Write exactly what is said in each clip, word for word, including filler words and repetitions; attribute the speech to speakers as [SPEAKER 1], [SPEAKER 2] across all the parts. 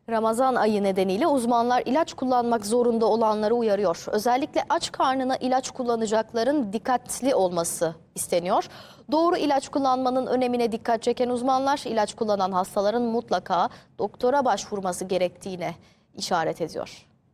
[SPEAKER 1] Ramazan ayı nedeniyle uzmanlar ilaç kullanmak zorunda olanları uyarıyor. Özellikle aç karnına ilaç kullanacakların dikkatli olması isteniyor. Doğru ilaç kullanmanın önemine dikkat çeken uzmanlar ilaç kullanan hastaların mutlaka doktora başvurması gerektiğine işaret ediyor.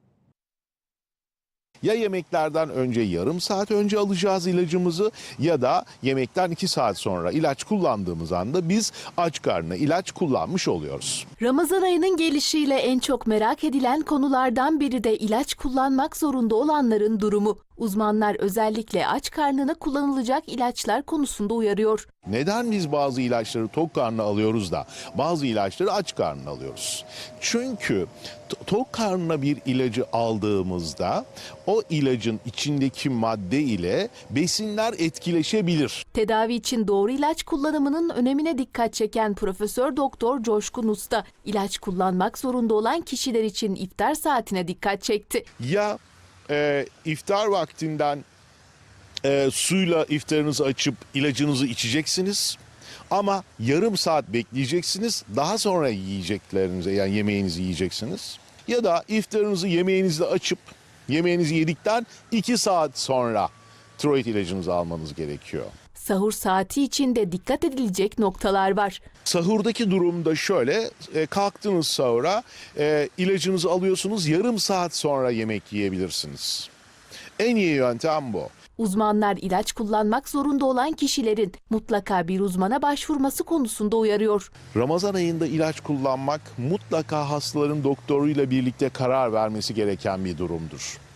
[SPEAKER 2] Ya yemeklerden önce yarım saat önce alacağız ilacımızı ya da yemekten iki saat sonra ilaç kullandığımız anda biz aç karnına ilaç kullanmış oluyoruz.
[SPEAKER 3] Ramazan ayının gelişiyle en çok merak edilen konulardan biri de ilaç kullanmak zorunda olanların durumu. Uzmanlar özellikle aç karnına kullanılacak ilaçlar konusunda uyarıyor.
[SPEAKER 2] Neden biz bazı ilaçları tok karnına alıyoruz da bazı ilaçları aç karnına alıyoruz? Çünkü tok karnına bir ilacı aldığımızda o ilacın içindeki madde ile besinler etkileşebilir.
[SPEAKER 3] Tedavi için doğru ilaç kullanımının önemine dikkat çeken Profesör Doktor Coşkun Usta, ilaç kullanmak zorunda olan kişiler için iftar saatine dikkat çekti.
[SPEAKER 2] Ya e, iftar vaktinden e, suyla iftarınızı açıp ilacınızı içeceksiniz. Ama yarım saat bekleyeceksiniz. Daha sonra yiyeceklerinize yani yemeğinizi yiyeceksiniz. Ya da iftarınızı yemeğinizle açıp yemeğinizi yedikten iki saat sonra tiroid ilacınızı almanız gerekiyor.
[SPEAKER 3] Sahur saati için de dikkat edilecek noktalar var.
[SPEAKER 2] Sahurdaki durumda şöyle, e, kalktınız sahura, e, ilacınızı alıyorsunuz, yarım saat sonra yemek yiyebilirsiniz. En iyi yöntem bu.
[SPEAKER 3] Uzmanlar ilaç kullanmak zorunda olan kişilerin mutlaka bir uzmana başvurması konusunda uyarıyor.
[SPEAKER 2] Ramazan ayında ilaç kullanmak mutlaka hastaların doktoruyla birlikte karar vermesi gereken bir durumdur.